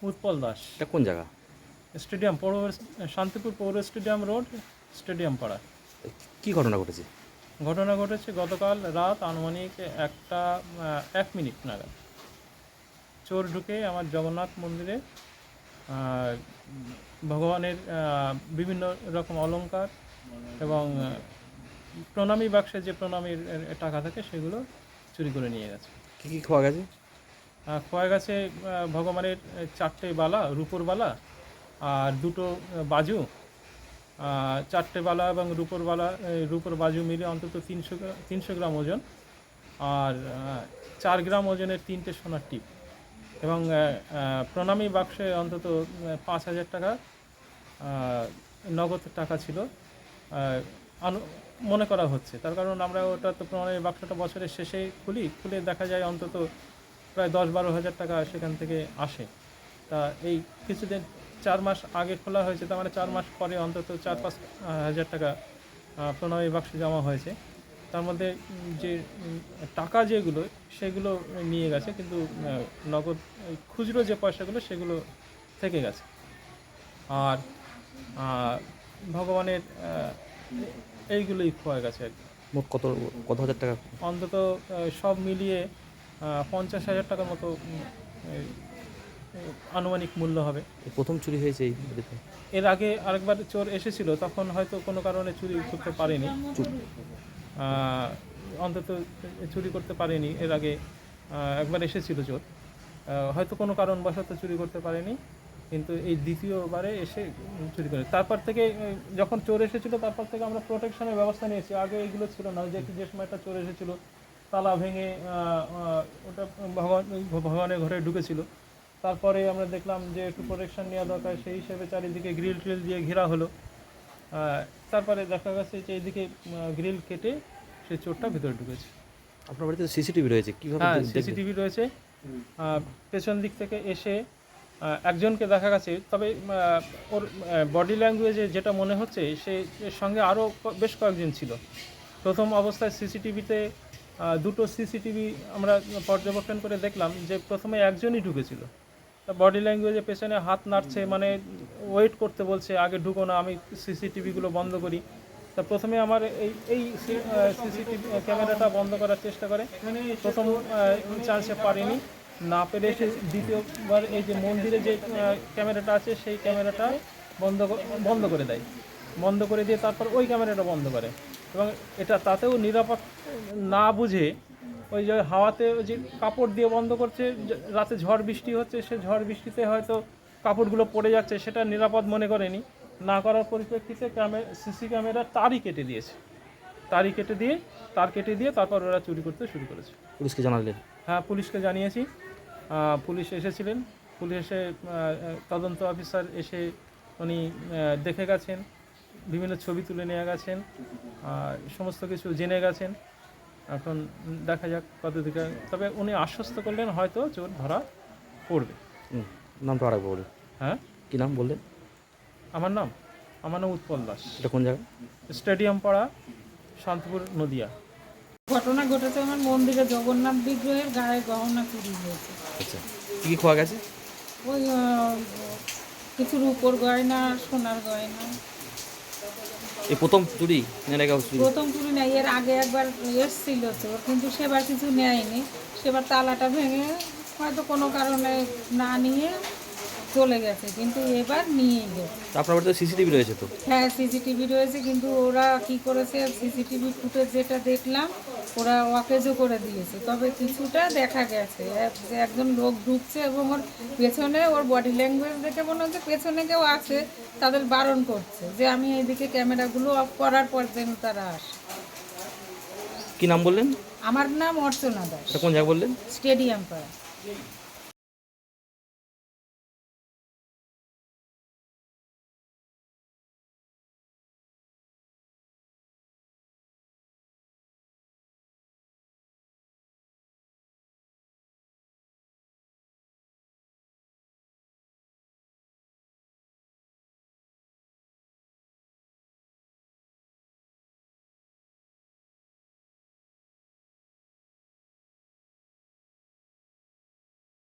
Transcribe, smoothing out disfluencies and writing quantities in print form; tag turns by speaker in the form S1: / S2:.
S1: উৎপল দাস।
S2: এটা কোন জায়গা?
S1: স্টেডিয়াম পৌর, শান্তিপুর পৌর স্টেডিয়াম রোড, স্টেডিয়াম পাড়া।
S2: কি ঘটনা ঘটেছে?
S1: ঘটনা ঘটেছে গতকাল রাত আনুমানিক 1:01 নাগাদ। চোর ঢুকে আমার জগন্নাথ মন্দিরে ভগবানের বিভিন্ন রকম অলংকার এবং প্রণামী বাক্সে যে প্রণামীর টাকা থাকে সেগুলো চুরি করে নিয়ে গেছে।
S2: কী কী খোয়া গেছে?
S1: খোয়া গেছে ভগবানের 4টে বালা, রূপোর বালা আর 2টো বাজু, 4টে বালা এবং রূপোর বাজু মিলে অন্তত 300 গ্রাম ওজন, আর 4 গ্রাম ওজনের 3টে সোনার টিপ এবং প্রণামী বাক্সে অন্তত 5,000 টাকা নগদ টাকা ছিল মনে করা হচ্ছে। তার কারণ আমরা ওটা তো প্রণামী বাক্সটা বছরের শেষে খুলে দেখা যায় অন্তত প্রায় 10-12 হাজার টাকা সেখান থেকে আসে। তা এই কিছুদিন 4 মাস আগে খোলা হয়েছে, তার মানে 4 মাস পরে অন্তত 4-5 হাজার টাকা প্রণামী বাক্সে জমা হয়েছে। তার মধ্যে যে টাকা যেগুলো সেগুলো নিয়ে গেছে, কিন্তু নগদ খুচরো যে পয়সাগুলো সেগুলো থেকে গেছে। আর ভগবানের এইগুলোই খোয়া গেছে আর কি।
S2: মোট কত হাজার টাকা?
S1: অন্তত সব মিলিয়ে 50,000 টাকার মতো আনুমানিক মূল্য হবে।
S2: প্রথম চুরি হয়েছে এই বাড়িতে?
S1: এর আগে আরেকবার চোর এসেছিল, তখন হয়তো কোনো কারণে চুরি করতে পারেনি, অন্তত চুরি করতে পারেনি। এর আগে একবার এসেছিল চোর, হয়তো কোনো কারণবশত চুরি করতে পারেনি, কিন্তু এই দ্বিতীয়বারে এসে চুরি করে। তারপর থেকে যখন চোর এসেছিলো তারপর থেকে আমরা প্রোটেকশনের ব্যবস্থা নিয়েছি। আগে এগুলো ছিল না, যে সময়টা চোর এসেছিল তালা ভেঙে ওটা ভগবানের ঘরে ঢুকেছিল। তারপরে আমরা দেখলাম যে একটু প্রোটেকশন নেওয়া দরকার, সেই হিসেবে চারিদিকে গ্রিল ট্রিল দিয়ে ঘেরা হলো। তারপরে দেখা গেছে যে এইদিকে গ্রিল কেটে সেই চোরটা ভিতরে ঢুকেছে।
S2: আপনার বাড়িতে সিসিটিভি রয়েছে, কীভাবে?
S1: হ্যাঁ, সিসিটিভি রয়েছে। পেছন দিক থেকে এসে একজনকে দেখা গেছে, তবে ওর বডি ল্যাঙ্গুয়েজে যেটা মনে হচ্ছে সে এর সঙ্গে আরও বেশ কয়েকজন ছিল। প্রথম অবস্থায় সিসিটিভিতে 2টো সিসিটিভি আমরা পর্যবেক্ষণ করে দেখলাম যে প্রথমে একজনই ঢুকেছিল। তা বডি ল্যাঙ্গুয়েজে পেছনে হাত নাড়ছে, মানে ওয়েট করতে বলছে, আগে ঢুকো না, আমি সিসিটিভিগুলো বন্ধ করি। তা প্রথমে আমার এই সিসিটিভি ক্যামেরাটা বন্ধ করার চেষ্টা করে, প্রথম চান্সে পারেনি, না পেরে সে দ্বিতীয়বার এই যে মন্দিরে যে ক্যামেরাটা আছে সেই ক্যামেরাটা বন্ধ করে দেয়। বন্ধ করে দিয়ে তারপর ওই ক্যামেরাটা বন্ধ করে, এবং এটা তাতেও নিরাপদ না বুঝে ওই যে হাওয়াতে ওই যে কাপড় দিয়ে বন্ধ করছে, রাতে ঝড় বৃষ্টি হচ্ছে, সে ঝড় বৃষ্টিতে হয়তো কাপড়গুলো পড়ে যাচ্ছে, সেটা নিরাপদ মনে করেনি। না করার পরিপ্রেক্ষিতে সিসি ক্যামেরা তারই কেটে দিয়ে তার কেটে দিয়ে তারপর ওরা চুরি করতে শুরু করেছে।
S2: পুলিশকে জানালেন?
S1: হ্যাঁ, পুলিশকে জানিয়েছি। পুলিশ এসেছিলেন, পুলিশ এসে তদন্ত অফিসার এসে উনি দেখে গেছেন, বিভিন্ন ছবি তুলে নিয়ে গেছেন, সমস্ত কিছু জেনে গেছেন। এখন দেখা যাক কত দিকে, তবে উনি আশ্বস্ত করলেন হয়তো চোর ধরা পড়বে।
S2: নামটা আরেকবার বলুন।
S1: হ্যাঁ,
S2: কী নাম বললেন?
S1: আমার নাম উৎপল দাস।
S2: এটা কোন জায়গা?
S1: স্টেডিয়াম পাড়া, শান্তিপুর, নদিয়া।
S3: ঘটনা ঘটেছে আমার মন্দিরে জগন্নাথ বিগ্রহের গায়ে গহনা চুরি হয়েছে।
S2: আচ্ছা, কী কী খোয়া গেছে?
S3: ওই কিছু রূপোর গয়না, সোনার গয়না।
S2: এই প্রথম চুরি না কেউ চুরি?
S3: প্রথম চুরি নেই, এর আগে একবার এসছিল চোর, কিন্তু সেবার কিছু নেয়নি। সেবার তালাটা ভেঙে হয়তো কোনো কারণে না নিয়ে চলে গেছে, কিন্তু এবার নিয়েই গেছে।
S2: আপনার বাড়িতে সিসিটিভি রয়েছে তো?
S3: হ্যাঁ, সিসিটিভি রয়েছে, কিন্তু ওরা কি করেছে, সিসিটিভি ফুটেজ যেটা দেখলাম ওরা ওয়াকেজও করে দিয়েছে। তবে কিছুটা দেখা গেছে যে একজন লোক ঢুকছে এবং ওর পেছনে, ওর বডি ল্যাঙ্গুয়েজ দেখে মনে হচ্ছে পেছনে কেউ আছে, তাদের বারণ করছে যে আমি এইদিকে ক্যামেরাগুলো অফ করার পর যেন তারা আসে।
S2: কী নাম বললেন?
S3: আমার নাম অর্চনা দাস।
S2: এটা কোন জায়গা বললেন?
S3: স্টেডিয়াম পাড়া।